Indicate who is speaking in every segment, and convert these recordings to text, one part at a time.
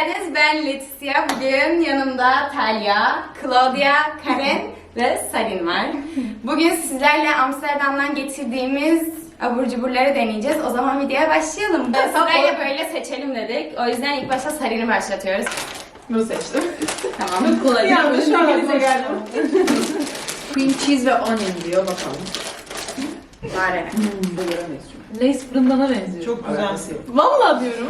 Speaker 1: geldiniz. Ben Leticia. Bugün yanımda Talya, Claudia, Karen ve Sarin var. Bugün sizlerle Amsterdam'dan getirdiğimiz abur cuburları deneyeceğiz. O zaman videoya başlayalım. Sırayla böyle seçelim dedik. O yüzden ilk başta Sarin'i başlatıyoruz.
Speaker 2: Bunu seçtim.
Speaker 1: Tamam.
Speaker 2: Kolay.
Speaker 3: Yanlış
Speaker 2: Yanlış
Speaker 3: geldim.
Speaker 2: Cream cheese ve onion diyor bakalım.
Speaker 1: Bari.
Speaker 2: Bu göremeyiz çünkü.
Speaker 3: Lace fırındana benziyor.
Speaker 2: Çok güzel. Alakası yok.
Speaker 3: Vallahi diyorum.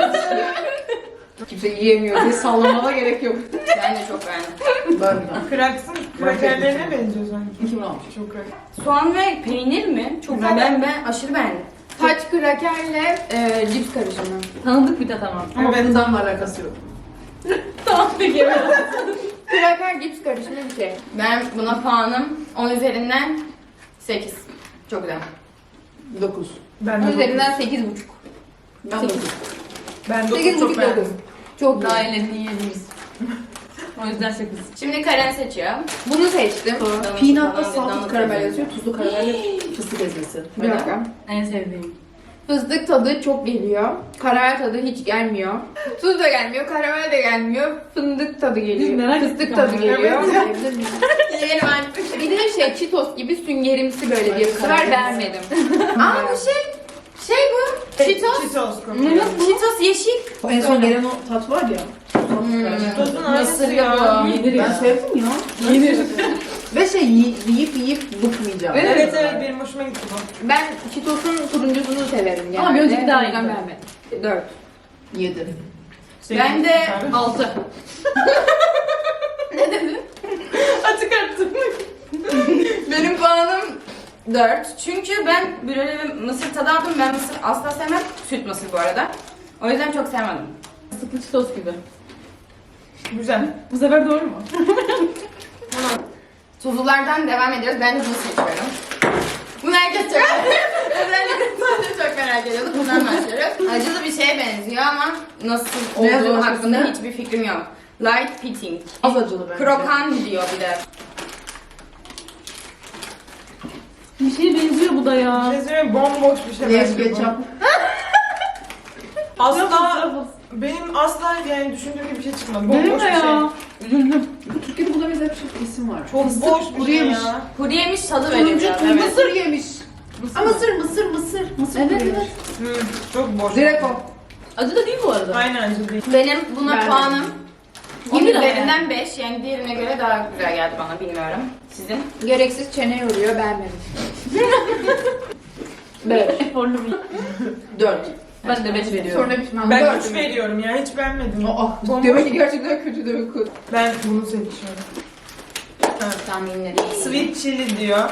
Speaker 2: Kimse yiyemiyor diye sallamama gerek yok.
Speaker 1: Ben de çok beğendim.
Speaker 2: Ben
Speaker 4: Kraksın krakerlerine benziyor sanki.
Speaker 2: Kim almış?
Speaker 4: Çok kraker.
Speaker 1: Soğan ve peynir mi? Çok güzel. Ben aşırı beğendim.
Speaker 5: Taç krakerle cips karışımı.
Speaker 3: Tanıdık bir tat ama.
Speaker 2: Ama
Speaker 4: Evet.
Speaker 2: bundan alakası yok.
Speaker 3: Tamam peki.
Speaker 5: Kraker cips karışımı bir şey.
Speaker 1: Ben buna puanım 10 üzerinden 8. Çok güzel.
Speaker 2: 9.
Speaker 4: Ben de
Speaker 5: Onun üzerinden 8,5.
Speaker 2: Ben 9.
Speaker 4: Ben 9
Speaker 5: 8,5
Speaker 4: çok
Speaker 5: 9.
Speaker 4: beğendim.
Speaker 5: Çok
Speaker 3: Daha
Speaker 5: güzel.
Speaker 3: iyilerini yiyebiliriz. O yüzden 8.
Speaker 1: Şimdi Karen seçiyor.
Speaker 5: Bunu seçtim.
Speaker 2: Peanut'la salted karamel yazıyor. Tuzlu karamelle fıstık ezmesi.
Speaker 5: Bir dakika.
Speaker 3: En sevdiğim.
Speaker 5: Fıstık tadı çok geliyor. Karamel tadı hiç gelmiyor. Tuz da gelmiyor, karamel de gelmiyor. Fındık tadı geliyor.
Speaker 3: merak
Speaker 5: Fıstık
Speaker 3: ettik
Speaker 5: tadı
Speaker 3: ama.
Speaker 5: geliyor.
Speaker 1: Yiyelim artık.
Speaker 5: Bir de şey Cheetos gibi süngerimsi böyle bir sefer beğenmedim.
Speaker 1: Aa bu şey bu. Cheetos.
Speaker 4: Cheetos kokuyor.
Speaker 1: Cheetos yeşil.
Speaker 2: O en son gelen o tat var ya.
Speaker 4: Cheetos'un aynısı
Speaker 1: Mısırlı
Speaker 4: ya.
Speaker 1: bu.
Speaker 3: Yenir
Speaker 2: Ben
Speaker 3: ya.
Speaker 2: sevdim ya.
Speaker 3: Yenir.
Speaker 2: Ve şey yiyip bıkmayacağım.
Speaker 4: Evet benim hoşuma gitti bu.
Speaker 5: Ben Cheetos'un turuncusunu severim yani.
Speaker 3: Ama bir önceki daha iyi.
Speaker 5: beğenmedim. 4.
Speaker 2: 7.
Speaker 1: Ben de
Speaker 3: 6.
Speaker 4: Açık arttım.
Speaker 1: benim puanım 4. Çünkü ben böyle bir mısır tadı aldım. Ben mısır asla sevmem. Süt mısır bu arada. O yüzden çok sevmedim.
Speaker 3: Sıklı çitos gibi.
Speaker 4: Güzel.
Speaker 3: Bu sefer doğru mu?
Speaker 1: Tuzlulardan devam ediyoruz. Ben de bunu seçiyorum. Bunu herkes çok özellikle ben de çok merak ediyordum. Bundan başlıyoruz. Acılı bir şeye benziyor ama nasıl
Speaker 2: Ne yazıyor
Speaker 1: olduğu
Speaker 2: arkasında?
Speaker 1: hakkında hiçbir fikrim yok. Light pitting.
Speaker 2: Az acılı bence.
Speaker 1: Krokan diyor bir de.
Speaker 3: Bir şeye benziyor bu da ya.
Speaker 4: Bir şey söyleyeyim, bomboş bir şey.
Speaker 2: Leş
Speaker 4: bence bu.
Speaker 2: ketçap.
Speaker 4: Asla benim asla yani düşündüğüm gibi bir şey çıkmadı.
Speaker 3: Benim
Speaker 4: Bomboş
Speaker 3: de
Speaker 4: bir şey.
Speaker 3: ya. Üzüldüm.
Speaker 2: Türkiye'de buna benzer bir şey isim var.
Speaker 4: Çok
Speaker 2: Fıstık
Speaker 4: boş bir
Speaker 2: kuru
Speaker 4: şey
Speaker 2: yemiş.
Speaker 4: ya.
Speaker 1: Kuru yemiş tadı veriyor
Speaker 2: Turuncu
Speaker 1: biraz.
Speaker 2: turuncu
Speaker 1: Evet.
Speaker 2: mısır yemiş.
Speaker 3: Mısır
Speaker 2: Aa,
Speaker 3: mı?
Speaker 2: mısır.
Speaker 3: Evet,
Speaker 2: kuru
Speaker 3: evet.
Speaker 2: yemiş.
Speaker 4: Çok boş.
Speaker 2: Direkt o.
Speaker 3: Acı da değil bu arada.
Speaker 4: Aynen acı değil.
Speaker 1: Benim buna
Speaker 5: Ben de.
Speaker 1: puanım 10
Speaker 3: Yemin
Speaker 1: üzerinden 5. Yani diğerine göre daha güzel geldi bana bilmiyorum. Sizin?
Speaker 5: Gereksiz çene yoruyor, beğenmedim. 5.
Speaker 3: Eforlu bir.
Speaker 2: 4.
Speaker 3: Ben de 5 veriyorum.
Speaker 5: Sonra pişman.
Speaker 4: Ben
Speaker 5: Dört.
Speaker 4: 3 veriyorum ya hiç beğenmedim.
Speaker 2: Aa, demek ki gerçekten kötü demek ki.
Speaker 4: Ben bunu seçiyorum.
Speaker 1: Tahminleri.
Speaker 4: Sweet chili diyor.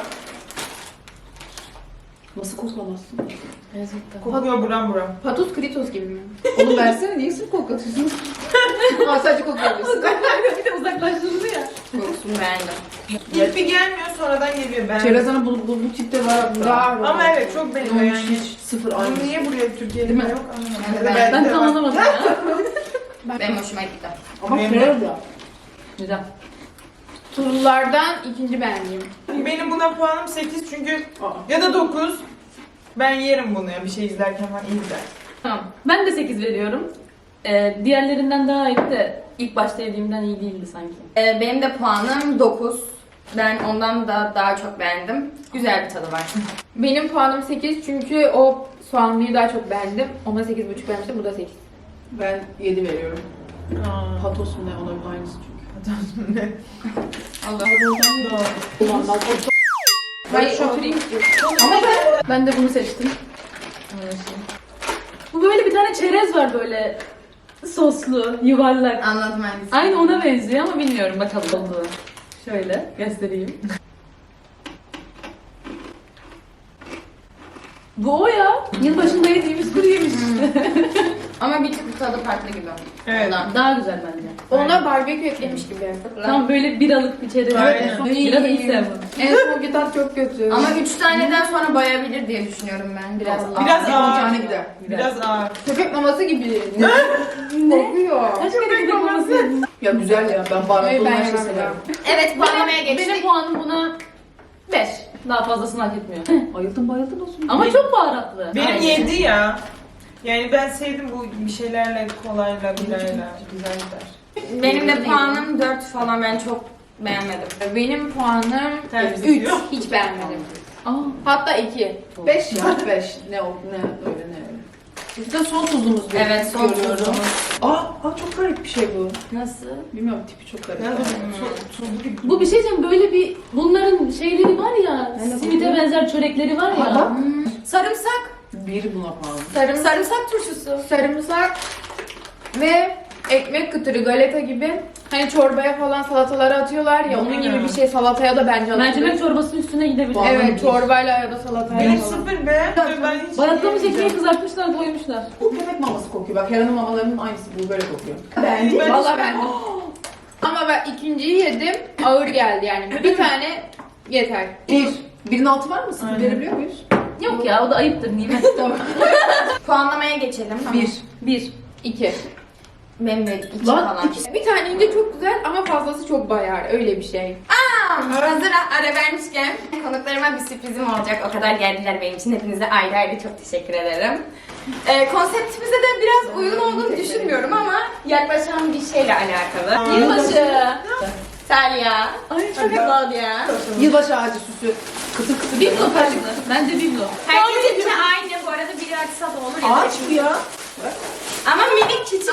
Speaker 2: Nasıl koklamazsın?
Speaker 4: Kokuyor buram buram.
Speaker 5: Patos kritos gibi mi?
Speaker 2: Onu versene, niye sırf koklatıyorsun? Aa, sadece koklayabilirsin.
Speaker 3: Bir de uzaklaştırdı ya.
Speaker 1: Kokusunu beğendim.
Speaker 4: İlk bir gelmiyor sonradan geliyor ben.
Speaker 2: Çerezana bu tipte var.
Speaker 5: Var.
Speaker 4: Ama evet çok benziyor
Speaker 2: Yani
Speaker 4: yani.
Speaker 2: hiç sıfır aynı.
Speaker 4: Bunu niye buraya Türkiye'de
Speaker 3: Değil mi?
Speaker 4: yok anlamadım.
Speaker 1: Ben-
Speaker 3: Ben tam anlamadım ya.
Speaker 1: Benim hoşuma gitti.
Speaker 2: Ama
Speaker 4: Benim-
Speaker 2: krem ya.
Speaker 3: Güzel.
Speaker 5: Tuzlulardan ikinci beğendiğim.
Speaker 4: Benim buna puanım 8 çünkü
Speaker 2: Aa.
Speaker 4: ya da 9. Ben yerim bunu ya bir şey izlerken falan iyi gider.
Speaker 3: Tamam. Ben de 8 veriyorum. Diğerlerinden daha iyi de ilk başta yediğimden iyi değildi sanki.
Speaker 1: Benim de puanım 9. Ben ondan da daha çok beğendim. Güzel bir tadı var.
Speaker 5: Benim puanım 8 çünkü o soğanlıyı daha çok beğendim. Ona 8,5 vermiştim, bu da 8.
Speaker 2: Ben 7 veriyorum.
Speaker 4: Aa.
Speaker 2: Patos mu ne? Ona aynısı çünkü.
Speaker 1: Allah.
Speaker 2: Ulan
Speaker 5: Hayır, oturayım istiyorum.
Speaker 3: Ben de bunu seçtim. Bu böyle bir tane çerez var böyle soslu, yuvarlak.
Speaker 1: Anladım hangisi.
Speaker 3: Aynı ona benziyor ama bilmiyorum bakalım olduğunu. Şöyle göstereyim. Bu o ya. Yılbaşında yediğimiz kuru yemiş işte.
Speaker 1: Ama bir tık tadı farklı gibi.
Speaker 4: Evet.
Speaker 1: Ondan.
Speaker 3: Daha güzel bence.
Speaker 5: Ona barbekü eklemiş gibi.
Speaker 3: Tam böyle biralık bir çerez.
Speaker 4: Aynen.
Speaker 3: Bira da hiç sevmem.
Speaker 5: En sonki tat çok kötü.
Speaker 1: Ama 3 taneden sonra bayabilir diye düşünüyorum ben. Biraz
Speaker 4: Biraz
Speaker 2: Bir
Speaker 4: ağır.
Speaker 2: tane gider.
Speaker 4: Biraz ağır.
Speaker 5: köpek maması gibi. Kokuyor.
Speaker 3: Kaç kere gidip olması?
Speaker 2: Ya güzel ya. Ben baharatlı
Speaker 5: Hayır, ben
Speaker 2: olan şey
Speaker 5: yemem
Speaker 2: severim.
Speaker 1: Evet puanlamaya
Speaker 3: Benim
Speaker 1: geçtik.
Speaker 3: puanım buna 5. Daha fazlasını hak etmiyor.
Speaker 2: Bayıldım olsun.
Speaker 3: Ama çok baharatlı.
Speaker 4: Benim
Speaker 3: Aynen.
Speaker 4: 7 ya. Yani ben sevdim bu bir şeylerle, kolayla, birayla. Güzel gider.
Speaker 1: Benim de puanım 4 falan, ben çok beğenmedim.
Speaker 5: Benim puanım
Speaker 4: Temiz
Speaker 5: 3.
Speaker 4: diyor.
Speaker 5: Hiç beğenmedim.
Speaker 3: Aa.
Speaker 5: Hatta 2.
Speaker 2: 5 ya 5. Ne oldu ne öyle ne öyle. Bizde son tuzumuz bu.
Speaker 1: Evet, son
Speaker 2: Görüyorum.
Speaker 1: tuzumuz.
Speaker 2: Aa çok garip bir şey bu.
Speaker 1: Nasıl?
Speaker 2: Bilmiyorum tipi çok garip.
Speaker 4: Ya da tuzlu gibi.
Speaker 3: Bu bir şey diyeceğim, böyle bir bunların şeyleri var ya,
Speaker 2: Ne
Speaker 3: simite
Speaker 2: bu?
Speaker 3: benzer çörekleri var ya.
Speaker 2: Ha, bak.
Speaker 1: Sarımsak.
Speaker 2: Bir buna pahalı.
Speaker 1: Sarımsak turşusu.
Speaker 5: Sarımsak ve ekmek kıtırı, galeta gibi. Hani çorbaya falan salatalara atıyorlar ya, onun gibi bir şey salataya da bence atılır.
Speaker 3: Mercimek çorbasının üstüne gidebilir.
Speaker 2: Vallahi
Speaker 5: Evet,
Speaker 2: bir.
Speaker 5: çorbayla ya da salatayla
Speaker 4: Benim
Speaker 5: falan.
Speaker 4: sıfır beğenmedim. Ben hiç
Speaker 3: Bayatlamamış ekmeği
Speaker 4: yemeyeceğim.
Speaker 3: kızartmışlar, koymuşlar.
Speaker 2: Bu köpek maması kokuyor. Bak Helen'in mamalarının aynısı bu böyle kokuyor.
Speaker 4: Ben
Speaker 5: Valla ben. Ama ben ikinciyi yedim, ağır geldi yani. Bir tane yeter.
Speaker 2: Birinin altı var mı? Sıfır
Speaker 4: Aynen.
Speaker 2: verebiliyor muyuz?
Speaker 3: Yok ya, o da ayıptır nimet.
Speaker 2: Tamam.
Speaker 1: Puanlamaya geçelim.
Speaker 3: 1.
Speaker 5: 2.
Speaker 1: Benim de 2
Speaker 2: Lan,
Speaker 1: falan.
Speaker 5: Bir tane ince çok güzel ama fazlası çok bayar. Öyle bir şey.
Speaker 1: Hazır ara vermişken konuklarıma bir sürprizim olacak. O kadar geldiler benim için. Hepinize ayrı ayrı çok teşekkür ederim. Konseptimize de biraz uygun olduğunu düşünmüyorum ama yaklaşan bir şeyle alakalı. Yılbaşı. Talya.
Speaker 3: Ay çok
Speaker 1: Claudia.
Speaker 2: Yılbaşı ağacı süsü. Kıtır kıtır.
Speaker 3: Biblo tarzı. Bence biblo.
Speaker 1: Herkesinki aynı bu arada, biri açsa da olur ya da
Speaker 2: Ağaç bu ya.
Speaker 1: ama minik küçük.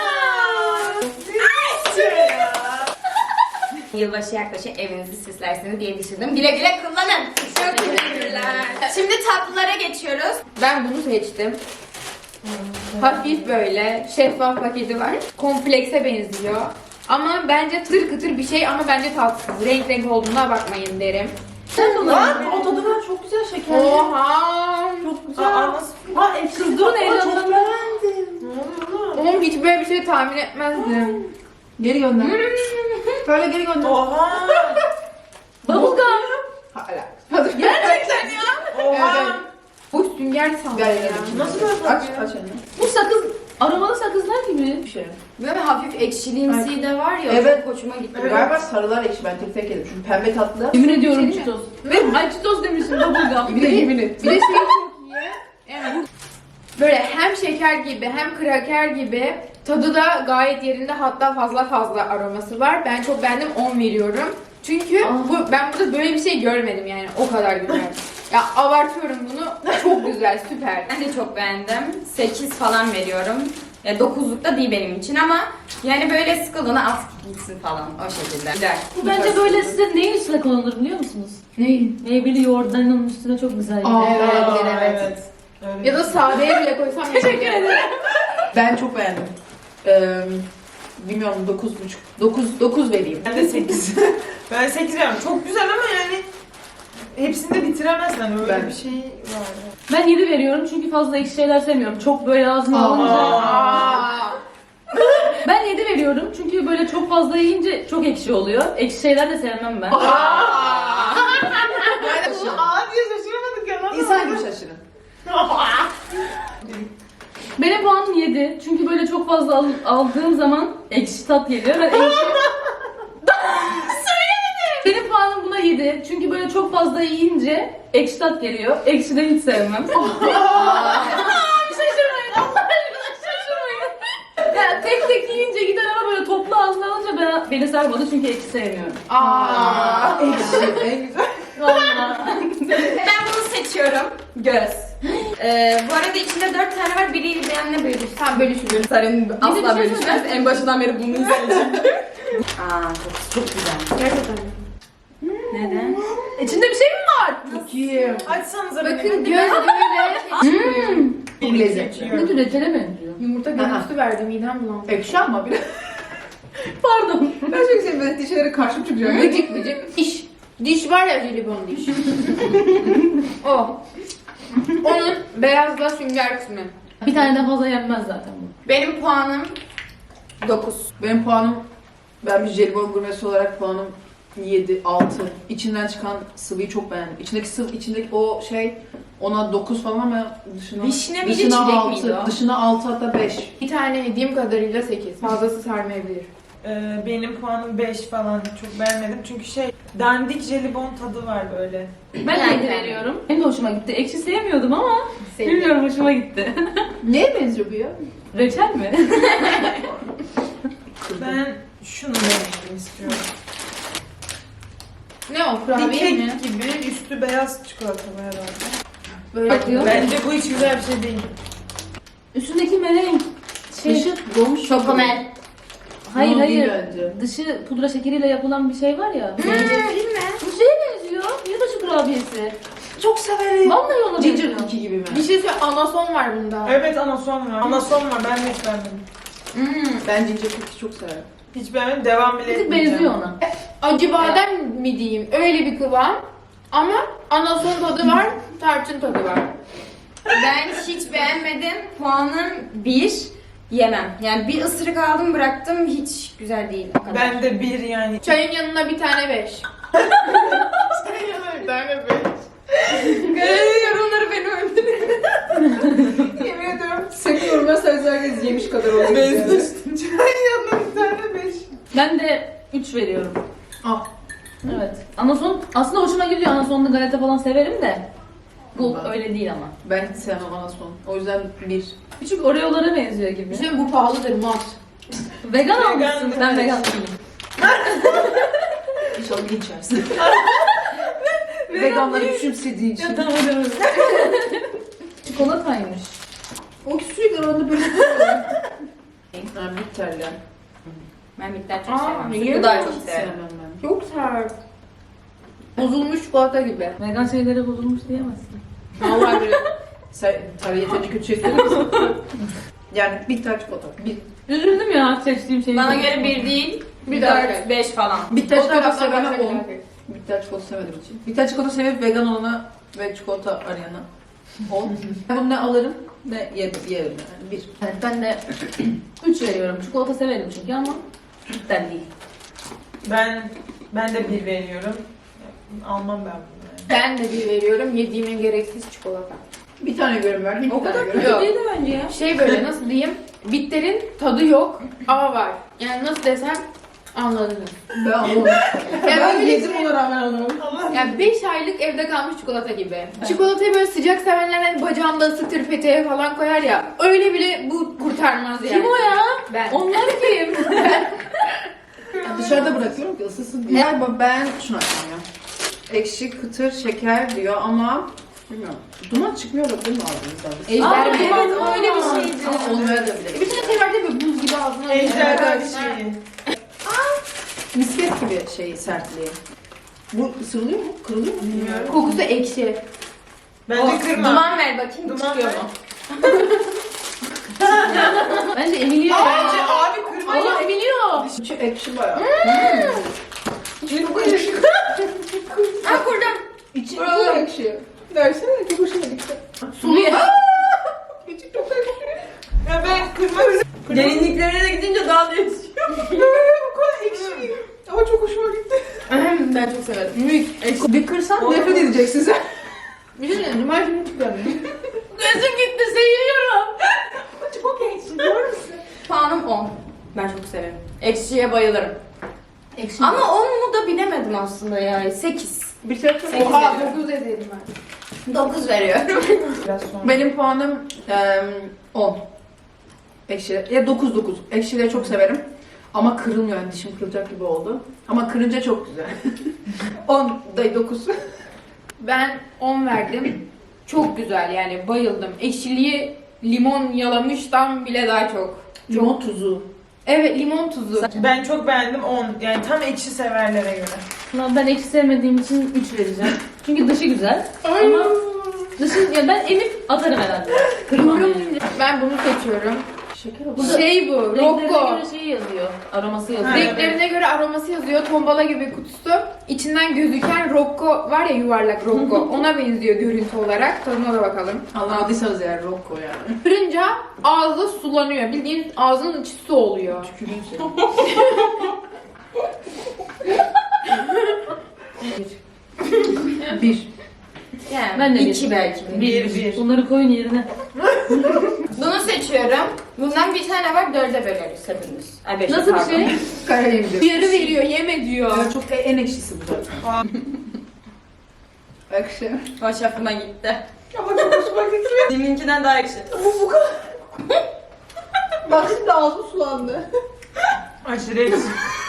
Speaker 1: Yılbaşı yaklaşıyor, evinizi süslersiniz diye düşündüm. Güle güle kullanın. Çok teşekkürler. Şimdi tatlılara geçiyoruz.
Speaker 5: Ben bunu seçtim. Hafif böyle şeffaf paketi var. Komplekse benziyor. Ama bence tır kıtır bir şey ama bence tatsız. Renk renk olduğuna bakmayın derim.
Speaker 2: Lan o tadı var çok güzel şekerli.
Speaker 5: Oha!
Speaker 2: Çok güzel.
Speaker 4: Aa nasıl?
Speaker 2: Aa ekşi.
Speaker 3: Kızdırın
Speaker 2: Çok
Speaker 3: heyecanlandım.
Speaker 2: beğendim.
Speaker 4: Ne oluyor lan?
Speaker 5: Oğlum hiç böyle bir şey tahmin etmezdim.
Speaker 2: Geri gönder. Böyle geri gönder.
Speaker 4: Oha!
Speaker 3: Bubblegum.
Speaker 2: Hala.
Speaker 5: Gerçekten ya.
Speaker 4: Oha!
Speaker 5: Evet. Bu sünger sandım
Speaker 2: Ver
Speaker 5: ya.
Speaker 2: ya.
Speaker 4: Nasıl böyle
Speaker 2: Aç
Speaker 4: tatlı?
Speaker 2: aç elini.
Speaker 3: Bu sakız, aromalı sakızlar gibi.
Speaker 2: Bir şey.
Speaker 1: Böyle hafif ekşiliğimsi de var ya,
Speaker 2: Evet.
Speaker 1: çok hoşuma gitti.
Speaker 4: Evet.
Speaker 2: Galiba sarılar ekşi ben tek tek yedim. Çünkü pembe tatlı.
Speaker 3: Yemin ediyorum
Speaker 5: Şey mi?
Speaker 3: çitos. Ay çitos demişim, bubblegum.
Speaker 2: Bir de yemin et.
Speaker 5: Bir de şey çok iyi. Evet. Böyle hem şeker gibi hem kraker gibi, tadı da gayet yerinde, hatta fazla aroması var. Ben çok beğendim, 10 veriyorum. Çünkü ben burada böyle bir şey görmedim yani, o kadar güzel. Ya abartıyorum bunu, çok güzel, süper.
Speaker 1: Ben de çok beğendim. 8 falan veriyorum. Ya 9'luk da değil benim için ama yani böyle sıkıldığına az gitsin falan o şekilde. Güzel.
Speaker 3: Bu bence böyle size neyin üstüne konulur biliyor musunuz?
Speaker 5: Neyin?
Speaker 3: Meyveli yoğurtlarının üstüne çok güzel.
Speaker 2: Aa,
Speaker 5: Evet.
Speaker 4: Evet. Öyle.
Speaker 5: Ya da sadeye bile koysam teşekkür ederim.
Speaker 2: Ben çok beğendim. Bilmiyorum 9,5. 9 vereyim.
Speaker 4: Ben de 8. Ben 8 veriyorum. Çok güzel ama yani hepsini de bitiremezsen öyle
Speaker 2: Ben-
Speaker 4: bir şey var.
Speaker 3: Ben 7 veriyorum çünkü fazla ekşi şeyler sevmiyorum. Çok böyle ağzıma
Speaker 2: Aa.
Speaker 3: alınca.
Speaker 5: Aa.
Speaker 3: Ben 7 veriyorum çünkü böyle çok fazla yiyince çok ekşi oluyor. Ekşi şeyler de sevmem ben.
Speaker 4: Aa diye şaşırmadık ya. Nasıl?
Speaker 2: İnsan gibi şaşırın.
Speaker 3: Benim puanım 7 çünkü böyle çok fazla aldığım zaman ekşi tat geliyor. Ben ekşi... Benim puanım buna 7 çünkü böyle çok fazla yiyince ekşi tat geliyor. Ekşi de hiç sevmem. Şaşırmayın. Allah aşkına şaşırmayın. Ya tek tek yiyince gider ama böyle toplu ağzına alınca beni sarmadı çünkü ekşi sevmiyorum.
Speaker 5: Aa.
Speaker 2: Ekşi en güzel.
Speaker 3: Vallahi.
Speaker 1: Ben bunu seçiyorum. Göz. Bu arada içinde 4 tane var. Biri benimle bölüşsün.
Speaker 5: Tam bölüşülür.
Speaker 1: Sarın asla
Speaker 3: Bir de bir şey
Speaker 1: bölüşmez.
Speaker 3: söyleyeyim.
Speaker 1: En başından beri bunu isteyeceğim. Çok güzel.
Speaker 5: Gerçekten.
Speaker 1: Neden?
Speaker 3: İçinde bir şey mi var?
Speaker 2: Bakayım.
Speaker 4: Açsanıza
Speaker 5: Bakın
Speaker 4: beni.
Speaker 5: göz böyle
Speaker 2: Çok lezzetli.
Speaker 3: Ne tür reçele benziyor?
Speaker 5: yumurta görüntüsü verdi, midem bulandı.
Speaker 2: Ekşi ama bir de.
Speaker 3: Pardon.
Speaker 2: Ben çok seviyorum böyle dişlere karşı çıkacağım.
Speaker 5: Gıcık gıcık. Diş. Diş var ya, jelibon diş. O. Onun beyazla sünger kısmı.
Speaker 3: Bir taneden fazla yenmez zaten bu.
Speaker 1: Benim puanım 9.
Speaker 2: Benim puanım, ben bir jelibon gurmesi olarak puanım 7, 6. İçinden çıkan sıvıyı çok beğendim. İçindeki o şey ona 9 falan ama dışına
Speaker 1: Vişne miydi,
Speaker 2: dışına
Speaker 1: çilek
Speaker 2: 6,
Speaker 1: miydi o?
Speaker 2: dışına 6 hatta 5.
Speaker 5: Bir tane yediğim kadarıyla 8. Fazlası sarmayabilir.
Speaker 4: Benim puanım 5 falan. Çok beğenmedim. Çünkü dandik jelibon tadı var böyle.
Speaker 3: Ben de 7 veriyorum. Benim de hoşuma gitti. Ekşi sevmiyordum ama bilmiyorum hoşuma gitti.
Speaker 2: Neye benziyor bu ya?
Speaker 3: Reçel mi?
Speaker 4: Ben şunu deneyelim istiyorum.
Speaker 5: Ne o?
Speaker 4: Bir
Speaker 5: Kurabiye
Speaker 4: kek
Speaker 5: mi?
Speaker 4: gibi üstü beyaz çikolatalı herhalde.
Speaker 5: Böyle
Speaker 3: Bakıyor.
Speaker 4: Bence bu hiç güzel bir şey değil.
Speaker 3: Üstündeki merenk.
Speaker 5: Dışı
Speaker 3: donmuş.
Speaker 1: Şokomel.
Speaker 3: Hayır
Speaker 2: Bunun değil
Speaker 3: hayır.
Speaker 2: bence.
Speaker 3: Dışı pudra şekeriyle yapılan bir şey var ya.
Speaker 1: Zencefil mi?
Speaker 3: Bu şeye benziyor. Yılbaşı kurabiyesi.
Speaker 2: Çok severim.
Speaker 3: Vallahi ona
Speaker 2: Ginger
Speaker 3: benziyor.
Speaker 2: cookie gibi mi?
Speaker 5: Bir şey söyle, anason var bunda.
Speaker 4: Evet anason var. Anason var. Ben de hiç beğenmedim.
Speaker 2: Ben ginger cookie çok severim.
Speaker 4: Hiç beğenmedim. Devam bile
Speaker 3: Bir tık
Speaker 4: etmeyeceğim.
Speaker 3: benziyor ona.
Speaker 5: Acı badem mi diyeyim? Öyle bir kıvam. Ama anason tadı var, tarçın tadı var.
Speaker 1: Ben hiç beğenmedim. Puanım 1. Yemem. Yani bir ısırık aldım bıraktım. Hiç güzel değil o kadar.
Speaker 4: Ben de bir yani.
Speaker 5: Çayın yanına bir tane 5.
Speaker 2: Bir tane beş.
Speaker 1: Yorumları beni öldürüyor.
Speaker 2: Yemin ediyorum seviyorum ve herkes yemiş kadar oluyor.
Speaker 4: Bezmiştim. Çayın yanına bir tane 5.
Speaker 3: Ben de 3 veriyorum.
Speaker 2: Ah.
Speaker 3: Evet. Anason aslında hoşuma gidiyor. Anasonlu galeta falan severim de. Bu
Speaker 2: Ben-
Speaker 3: öyle değil ama.
Speaker 2: Ben hiç sevmem anason. O yüzden bir.
Speaker 3: Küçük Oreo'lara benziyor gibi.
Speaker 5: Düşünün bu pahalıdır mat.
Speaker 3: Vegan almışsın.
Speaker 4: Vegan,
Speaker 3: Ben
Speaker 4: evet.
Speaker 3: vegan değilim.
Speaker 2: İnşallah bir içersin. Veganları küçümsediği için.
Speaker 3: Tamam hadi. Çikolataymış.
Speaker 2: O sürekli arada böyle Ha, bitterli.
Speaker 1: Ben bitter çok
Speaker 5: Aa,
Speaker 1: sevmem.
Speaker 5: niye?
Speaker 1: Bu daha çok
Speaker 2: Hiç
Speaker 1: severim.
Speaker 2: sevmem ben.
Speaker 5: Çok sert. Bozulmuş çikolata gibi.
Speaker 3: Vegan şeylere bozulmuş diyemezsin.
Speaker 5: Vallahi böyle.
Speaker 2: Sen tabii yeterince kötü şey söyler misin? Yani bitter çikolata. Bir.
Speaker 3: Üzüldüm ya seçtiğim şeyi.
Speaker 1: Bana göre 1 değil,
Speaker 5: Bir
Speaker 1: 4, 5 falan.
Speaker 2: Bitter
Speaker 5: O
Speaker 2: çikolata
Speaker 5: taraftan
Speaker 2: sevene
Speaker 5: başka
Speaker 2: 10.
Speaker 5: bir
Speaker 2: Bitter çikolata sevmediğim için. Bitter çikolata sevip vegan olana ve çikolata arayana 10. Bunu ne alırım ne yerim yani. Bir.
Speaker 3: Evet, ben de 3 veriyorum. Çikolata severim çünkü ama bitter değil.
Speaker 4: Ben de bir veriyorum. Almam ben bunu.
Speaker 5: Ben de bir veriyorum. Yediğimin gereksiz çikolata.
Speaker 2: Bir tane görüm verdim.
Speaker 5: O kadar
Speaker 2: görüm.
Speaker 5: Yok.
Speaker 3: Değil de bence ya.
Speaker 5: Şey böyle nasıl diyeyim? Bitterin tadı yok ama var. Yani nasıl desem anladınız.
Speaker 2: Ben anlamadım.
Speaker 5: Yani
Speaker 2: Ben
Speaker 5: böyle
Speaker 2: yedim ona rağmen anlamadım.
Speaker 5: yani 5 aylık evde kalmış çikolata gibi. Çikolatayı böyle sıcak sevenler hani bacağında ısıtır peteğe falan koyar ya. Öyle bile bu kurtarmaz yani.
Speaker 3: Kim o ya?
Speaker 5: Ben.
Speaker 3: Onlar kim?
Speaker 2: Dışarıda bırakıyorum ki ısısın diye. Galiba ben şunu açacağım ya. Ekşi, kıtır, şeker diyor ama bilmiyorum. Duman çıkmıyor da değil mi ağzınızdan?
Speaker 5: Ejder mi?
Speaker 3: evet,
Speaker 1: Evet, öyle bir şeydi.
Speaker 2: Ama olmayabilir.
Speaker 5: Bir tane şey var değil mi? Buz gibi ağzına.
Speaker 4: Ejderha
Speaker 5: Evet.
Speaker 4: şeyi.
Speaker 2: Misket gibi şey sertliği. Bu ısırılıyor mu? Kırılıyor mu?
Speaker 4: Bilmiyorum.
Speaker 5: Kokusu ekşi.
Speaker 4: Bence kırma.
Speaker 1: Duman ver bakayım,
Speaker 4: Duman
Speaker 1: çıkıyor
Speaker 4: ver.
Speaker 1: mu?
Speaker 3: Bence Emilio.
Speaker 4: Bence abi kırma.
Speaker 3: Allah Emilio.
Speaker 2: İçi ekşi bayağı.
Speaker 4: Çok ekşi.
Speaker 1: Ha kurdum.
Speaker 2: İçi çok ekşi. Dersene çok hoşuma gitti.
Speaker 5: Sulu ya.
Speaker 2: İçi çok ekşi.
Speaker 4: Ya ben kırmak
Speaker 1: Derinliklerine gidince daha değişiyor.
Speaker 2: Bu kadar ekşi. Ama çok hoşuma gitti.
Speaker 1: Ben çok severim.
Speaker 2: Bir kırsan nefret edeceksin sen.
Speaker 5: Bir şey söyleyeyim. Numara şimdi çıkıyor.
Speaker 3: Gözüm gitti seviyorum.
Speaker 2: Çok ekşi. Doğru musun?
Speaker 1: Puanım 10. Ben çok severim. Ekşiye bayılırım.
Speaker 3: Ekşi.
Speaker 1: Ama 10 mu da bilemedim aslında yani. 8.
Speaker 2: Bir tek
Speaker 1: Sekiz
Speaker 5: Oha
Speaker 1: veriyorum.
Speaker 5: 9 dedim ben.
Speaker 1: 9 veriyorum.
Speaker 4: biraz sonra.
Speaker 2: Benim puanım 10. Ekşi. Ya 9. Ekşileri çok severim. Ama kırılmıyor yani dişim kırılacak gibi oldu. Ama kırınca çok güzel. 10 da 9.
Speaker 5: Ben 10 verdim. Çok güzel yani bayıldım. Ekşiliği limon yalamıştan bile daha çok.
Speaker 2: Limon tuzu.
Speaker 5: Evet limon tuzu.
Speaker 4: Ben çok beğendim 10. Yani tam ekşi severlere göre.
Speaker 3: Ama ben ekşi sevmediğim için 3 vereceğim. Çünkü dışı güzel. Ama dışı ya ben emip atarım herhalde. Kırmam yani.
Speaker 5: Ben bunu seçiyorum.
Speaker 2: Şeker
Speaker 5: Bu
Speaker 2: oldu.
Speaker 5: şey bu,
Speaker 3: Renklerine
Speaker 5: Rocco.
Speaker 3: göre şeyi yazıyor. Aroması yazıyor.
Speaker 4: Ha,
Speaker 5: Renklerine göre aroması yazıyor. Tombala gibi kutusu. İçinden gözüken Rocco var ya yuvarlak Rocco. Ona benziyor görüntü olarak. Tadına da bakalım.
Speaker 2: Anlamadıysanız eğer Rocco yani.
Speaker 5: Kırınca ağzı sulanıyor. Bildiğin ağzının içi su oluyor.
Speaker 2: Tükürüğün seni. Bir.
Speaker 1: Yani
Speaker 3: Ben de
Speaker 1: 2
Speaker 3: bir.
Speaker 1: belki.
Speaker 4: Bir.
Speaker 3: Bunları koyun yerine.
Speaker 1: Bunu seçiyorum. Bundan bir tane var, 4'e böleriz hepimiz. Ay, beşe,
Speaker 3: Nasıl bir
Speaker 1: pardon.
Speaker 3: şey?
Speaker 2: Karalemdir.
Speaker 5: Yarı veriyor, yeme diyor.
Speaker 2: Evet, çok en ekşisi bu zaten. Ekşi.
Speaker 1: Hoşafıma gitti.
Speaker 4: Ama çok hoşuma gidiyor.
Speaker 1: Deminkinden daha ekşi.
Speaker 4: Bu kadar.
Speaker 2: Bak şimdi ağzım sulandı.
Speaker 4: Aşırı ekşi.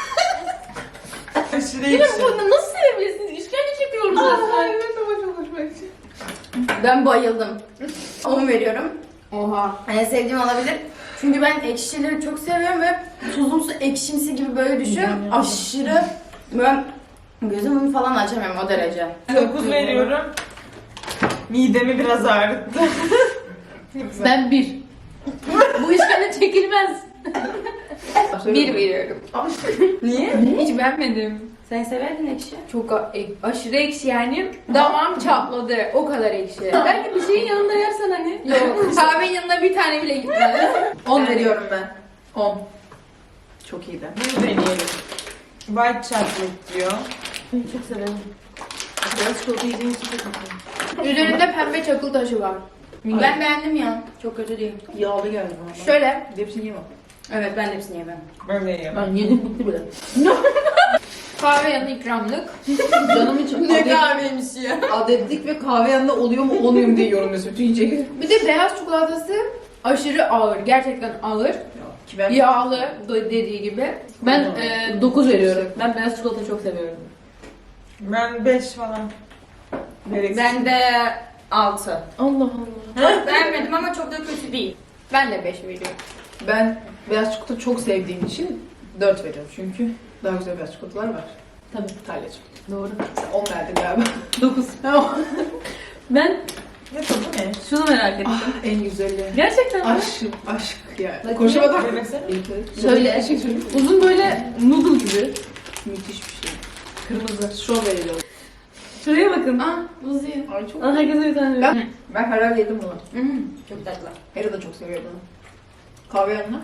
Speaker 4: Aşırı
Speaker 3: Yine
Speaker 4: ekşi.
Speaker 3: bunu nasıl sevebilirsiniz? İşkence çekiyoruz resmen.
Speaker 2: Evet ama çok hoşuma gitti.
Speaker 1: Ben bayıldım. 10 veriyorum.
Speaker 5: Oha.
Speaker 1: En sevdiğim olabilir. Çünkü ben ekşileri çok seviyorum ve tuzumsu ekşimsi gibi böyle düşün. Aşırı böyle gözümü falan açamıyorum o derece.
Speaker 4: 9 veriyorum. Midemi biraz ağrıttı.
Speaker 3: Ben 1. Bu işkence çekilmez.
Speaker 1: 1 veriyorum. Niye?
Speaker 5: Hiç beğenmedim.
Speaker 1: Sen severdin ekşi.
Speaker 5: Çok aşırı ekşi yani. Damağım çatladı. O kadar ekşi.
Speaker 3: Belki bir şeyin yanında yersen hani.
Speaker 5: Yok. Kahvenin yanına bir tane bile gitmedi.
Speaker 2: 10 veriyorum ben. 10. Çok iyiydi.
Speaker 4: Bunu deneyelim. White chocolate diyor.
Speaker 3: Çok severim. Biraz çikolata yediğim için çok mutluyum.
Speaker 5: Üzerinde pembe çakıl taşı var.
Speaker 1: Ben beğendim ya. Çok kötü değil.
Speaker 2: Yağlı geldi bana.
Speaker 5: Şöyle.
Speaker 2: Hepsini yemem.
Speaker 1: Evet, ben de hepsini yemem.
Speaker 4: Ben de yiyemem.
Speaker 3: Ben yedim bitti bile.
Speaker 5: Kahve yanı ikramlık.
Speaker 2: Canım için
Speaker 1: kahveymiş ya.
Speaker 2: adetlik ve kahve yanında oluyor mu olmuyor mu diye yorumluyorsun bütün yiyecekleri.
Speaker 5: Bir de beyaz çikolatası aşırı ağır. Gerçekten ağır.
Speaker 2: Ki ben
Speaker 5: Yağlı dediği gibi.
Speaker 3: Ben 9 veriyorum. Ben beyaz çikolatayı çok seviyorum.
Speaker 4: Ben 5 falan. Gereksiz.
Speaker 1: Ben de 6.
Speaker 3: Allah Allah.
Speaker 1: Beğenmedim ama çok da kötü değil.
Speaker 5: Ben de 5 veriyorum.
Speaker 2: Ben beyaz çikolata çok sevdiğim için 4 veriyorum çünkü daha güzel beyaz çikolatalar var.
Speaker 3: Tabii.
Speaker 2: Talyacığım.
Speaker 3: Doğru.
Speaker 2: Sen 10 verdin galiba.
Speaker 3: 9. Ben
Speaker 4: Ne tadı ne?
Speaker 3: şunu merak ettim.
Speaker 2: Ah, en güzeli.
Speaker 3: Gerçekten mi?
Speaker 2: Aşk yani. Konuşamadım.
Speaker 4: Demesene.
Speaker 3: Söyle.
Speaker 2: Bir şey söyleyeyim.
Speaker 3: Uzun böyle noodle gibi.
Speaker 2: Müthiş bir şey.
Speaker 3: Kırmızı.
Speaker 2: Strawberry diyorum.
Speaker 3: Şuraya bakın.
Speaker 1: Ah, buz yiyor.
Speaker 2: Ay çok.
Speaker 3: Aa, herkese bir tane veriyorum.
Speaker 2: Ben herhalde yedim bunu.
Speaker 1: Çok tatlı.
Speaker 2: Hera da çok seviyor bunu. Kahve yanına.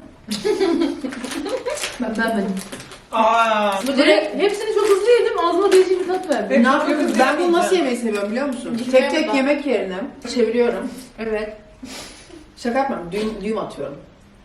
Speaker 3: Ben beğenmedim.
Speaker 4: Aa.
Speaker 3: Bu direkt hepsini çok hızlı yedim. Ağzıma değişik bir tat verdi.
Speaker 2: Ne yapıyorsun? Ben bunu nasıl yemeyi seviyorum biliyor musun?
Speaker 5: Hiç
Speaker 2: Tek tek
Speaker 5: beğenmedim.
Speaker 2: yemek yerine çeviriyorum.
Speaker 5: Evet.
Speaker 2: Şaka yapmıyorum. Düğüm atıyorum.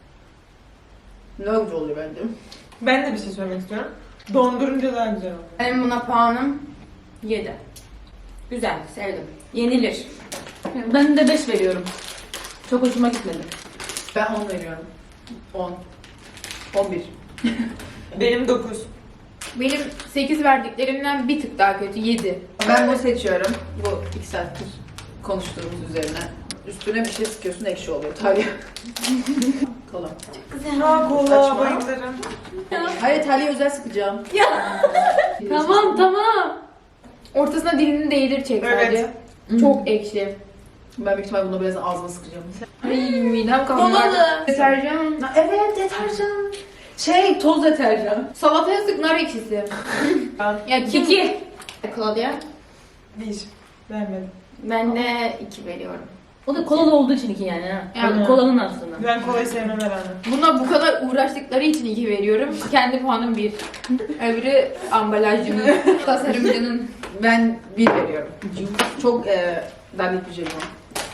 Speaker 2: Ne güzel oluyor bence.
Speaker 4: Ben de bir şey söylemek istiyorum. Dondurunca daha güzel oluyor.
Speaker 1: Benim buna puanım 7. Güzel, sevdim. Yenilir.
Speaker 3: Ben de 5 veriyorum. Çok hoşuma gitmedi.
Speaker 2: Ben 10 veriyorum. 10. 11.
Speaker 4: Benim 9.
Speaker 5: Benim 8 verdiklerimden bir tık daha kötü. 7.
Speaker 2: Ben bunu seçiyorum. Bu 2 saattir konuştuğumuz üzerine. Üstüne bir şey sıkıyorsun ekşi oluyor. Talya. Kola.
Speaker 4: Ha kola
Speaker 2: Saçma.
Speaker 4: bayılırım.
Speaker 2: Hayır Talya özel sıkacağım.
Speaker 3: Tamam tamam.
Speaker 5: Ortasına dilini değdir çek sadece. Çok ekşi.
Speaker 2: Ben büyük ihtimalle bunu biraz ağzına sıkacağım.
Speaker 5: Ay midem kalmadı. Deterjan.
Speaker 2: Evet deterjan. Toz deterjan.
Speaker 5: Salataya sık nar ekşisi. Ya kim?
Speaker 3: 2.
Speaker 1: Claudia.
Speaker 4: 1. Beğenmedim.
Speaker 1: Ben de 2 veriyorum.
Speaker 3: O da kolalı olduğu için 2 yani ha.
Speaker 5: Yani.
Speaker 3: Kolanın aslında.
Speaker 4: Ben kolayı sevmem herhalde.
Speaker 5: Buna bu kadar uğraştıkları için 2 veriyorum. Kendi puanım 1. Öbürü ambalajcının, tasarımcının.
Speaker 2: Ben 1 veriyorum. Çok dandik bir şey bu.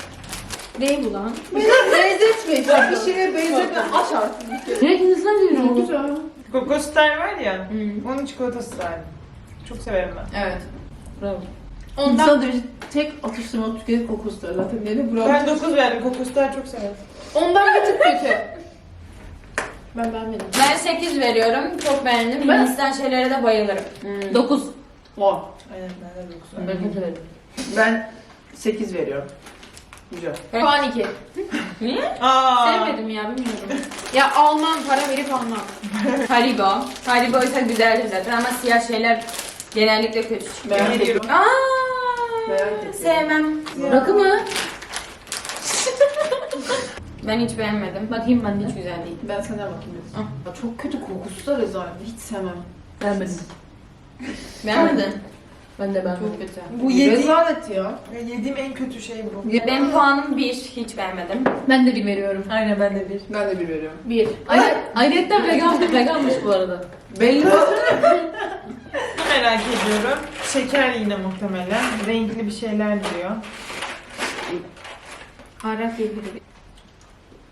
Speaker 5: Ne bu lan?
Speaker 2: Benzetme. Ya bir şeye benzetme. Aç artık.
Speaker 3: Direkt Hindistan cevizi oldu.
Speaker 2: Güzel.
Speaker 4: Kokostar var ya.
Speaker 5: Hmm.
Speaker 4: Onun çikolatası var. Çok severim ben.
Speaker 2: Evet.
Speaker 3: Bravo.
Speaker 5: Ondan
Speaker 2: Sadece tek atıştırma tüketip kokoslar zaten. Ne bravo.
Speaker 4: Ben 9 verdim. Kokostar çok severim.
Speaker 5: bir tık kötü. Ben beğenmedim.
Speaker 1: Ben 8 veriyorum. Çok beğendim.
Speaker 3: Ben-
Speaker 1: Hindistan şeylere de bayılırım.
Speaker 3: 9.
Speaker 2: 10.
Speaker 4: Aynen ben de 9 verdim.
Speaker 3: Ben kötü verdim.
Speaker 2: Ben 8 veriyorum. Güzel.
Speaker 5: Puan 2.
Speaker 4: Aa.
Speaker 1: Sevmedim ya, bilmiyorum.
Speaker 5: Ya almam, para verip almam.
Speaker 1: Haribo. Haribo ise güzeldir zaten ama siyah şeyler genellikle kötü çıkıyor.
Speaker 2: Merak
Speaker 4: Veriyorum.
Speaker 2: ettim. Merak ettim.
Speaker 1: Sevmem.
Speaker 3: Rakı mı?
Speaker 1: Ben hiç beğenmedim.
Speaker 3: Bakayım ben de.
Speaker 1: Hiç güzel değil.
Speaker 2: Ben senden bakayım dedim. Ya çok kötü kokusu da rezalet. Hiç sevmem.
Speaker 3: Beğenmedim.
Speaker 1: Beğenmedin?
Speaker 3: Ben de beğenmedim.
Speaker 1: Çok kötü.
Speaker 4: Bu yediğim,
Speaker 2: Rezalet ya.
Speaker 4: yediğim en kötü şey bu.
Speaker 1: Benim puanım 1. Hiç beğenmedim.
Speaker 3: Ben de 1 veriyorum.
Speaker 4: Aynen ben de 1.
Speaker 2: Ben de 1 veriyorum.
Speaker 5: 1.
Speaker 3: Ayrıca veganmış bu arada.
Speaker 2: Belli
Speaker 4: Merak ediyorum. Şeker yine muhtemelen. Renkli bir şeyler diyor.
Speaker 5: Araf 7.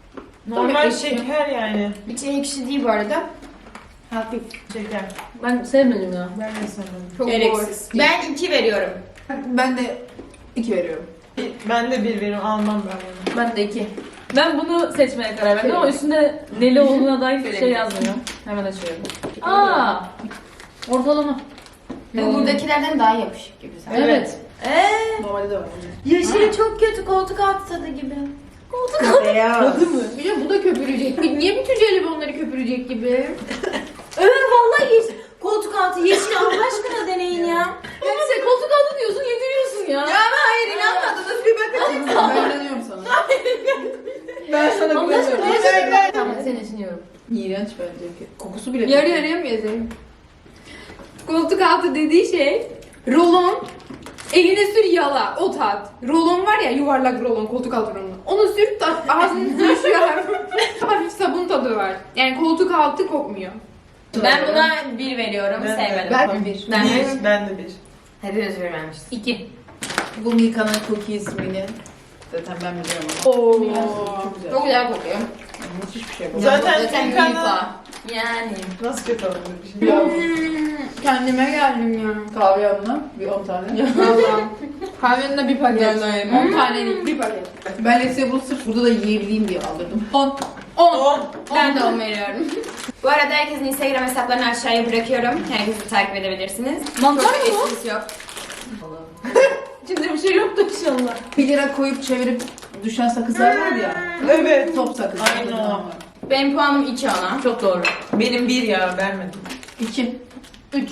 Speaker 4: Normal
Speaker 5: ekşi.
Speaker 4: şeker yani.
Speaker 5: İçine ekşi değil bu arada. Hafif.
Speaker 4: Şeker.
Speaker 3: Ben sevmedim ya.
Speaker 4: Ben de sanırım.
Speaker 5: Çok
Speaker 1: Gereksiz.
Speaker 5: zor.
Speaker 1: Ben 2 veriyorum.
Speaker 2: Ben de 2 veriyorum.
Speaker 4: Ben de 1 veririm. Almam ben bunu.
Speaker 3: Ben de 2. Ben bunu seçmeye karar verdim ama üstünde neli olduğuna dair bir şey yazmıyor. Hemen açıyorum. Aa! Ortalama.
Speaker 1: Bu buradakilerden daha yapışık gibi zaten.
Speaker 3: Evet.
Speaker 2: Normalde de var.
Speaker 1: Yeşili çok kötü, koltuk altı tadı gibi.
Speaker 4: Beyaz.
Speaker 5: Bir de bu da köpürecek. Niye bütün jelibonları köpürecek gibi?
Speaker 1: Vallahi yeşil. Koltuk altı yeşil Allah aşkına deneyin ya.
Speaker 3: Yani sen koltuk altı diyorsun, yediriyorsun ya.
Speaker 1: Ama hayır inanmadınız bir bakın.
Speaker 2: Ben inanıyorum sana. Ben sana
Speaker 3: Allah aşkına
Speaker 2: güveniyorum.
Speaker 3: ne Tamam seni düşünüyorum.
Speaker 2: İğrenç bence. Kokusu bile.
Speaker 5: Yarı yarıya mı yazayım? Koltuk altı dediği şey rolon, eline sür yala, o tat. Rolon var ya, yuvarlak rolon, koltuk altı rolonu. Onu sür, ağzını düşüyor. Hafif sabun tadı var. Yani koltuk altı kokmuyor.
Speaker 1: Ben buna 1 veriyorum.
Speaker 4: Ben de.
Speaker 1: Sevmedim.
Speaker 2: Ben 1.
Speaker 1: Ben de.
Speaker 4: Ben de 1.
Speaker 1: Hepiniz 1 vermişsiniz.
Speaker 3: 2.
Speaker 2: Bu Milka'nın cookie ismini zaten ben biliyorum ama.
Speaker 5: Oo.
Speaker 2: Çok güzel.
Speaker 5: Çok güzel kokuyor.
Speaker 2: Müthiş bir şey bu.
Speaker 4: Zaten Milka'nın...
Speaker 1: Milka. Yani.
Speaker 4: Nasıl kötü olabilir bir şey?
Speaker 2: Ya,
Speaker 5: Kendime geldim ya.
Speaker 2: kahve yanına bir 10 tane.
Speaker 5: Valla. Kahvenin bir paket. 10 tanelik bir paket.
Speaker 2: Ben Lesi'ye bunu sırf burada da yiyebileyim diye aldırdım. 10.
Speaker 4: 10.
Speaker 1: Ben de 10 veriyorum. Bu arada herkesin Instagram hesaplarını aşağıya bırakıyorum. Herkesi takip edebilirsiniz.
Speaker 3: Mantar mı
Speaker 1: Çok
Speaker 3: bu?
Speaker 1: esprisi yok.
Speaker 3: İçinde bir şey yoktu inşallah.
Speaker 2: 1 lira koyup çevirip düşen sakızlar var ya.
Speaker 4: Evet.
Speaker 2: Top sakız.
Speaker 4: Aynen o.
Speaker 1: Benim puanım 2 ona.
Speaker 3: Çok doğru.
Speaker 4: Benim 1 ya vermedim.
Speaker 2: 2. 3.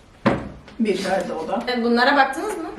Speaker 2: 1 verdi o da.
Speaker 1: Bunlara baktınız mı?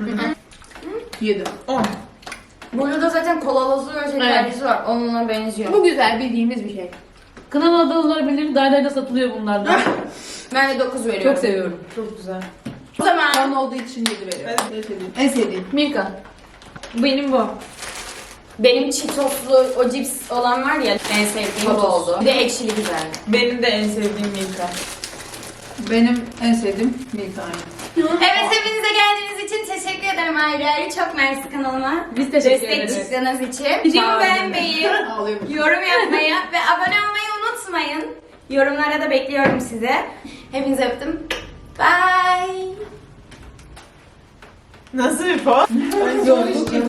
Speaker 2: 7.
Speaker 4: 10.
Speaker 1: Burada da zaten kolalısı ve şekerlisi var. Onunla benziyor.
Speaker 5: Bu güzel bildiğimiz bir şey.
Speaker 3: Kınalı adalılar bilir, daydayda satılıyor bunlardan.
Speaker 1: Ben de 9 veriyorum.
Speaker 3: Çok seviyorum.
Speaker 4: Çok güzel.
Speaker 1: O zaman
Speaker 2: Kan olduğu için 7 veriyorum. En sevdiğim.
Speaker 3: Milka. Benim bu.
Speaker 1: benim Cheetos'lu o cips olan var ya en sevdiğim bu
Speaker 2: Cheetos.
Speaker 1: oldu. Bir de ekşili güzel.
Speaker 4: Benim de en sevdiğim Milka.
Speaker 2: Benim en sevdiğim Milka aynı.
Speaker 1: Evet hepinize geldiğiniz için teşekkür ederim ayrı ayrı. Çok mersi kanalıma.
Speaker 3: Biz teşekkür
Speaker 1: Destek
Speaker 3: ederiz.
Speaker 1: çıktığınız için. Videomu beğenmeyi,
Speaker 2: Ağlıyorum.
Speaker 1: yorum yapmayı ve abone olmayı unutmayın. Yorumlara da bekliyorum sizi. Hepinizi öptüm. Bye.
Speaker 4: Nasıl bir puan?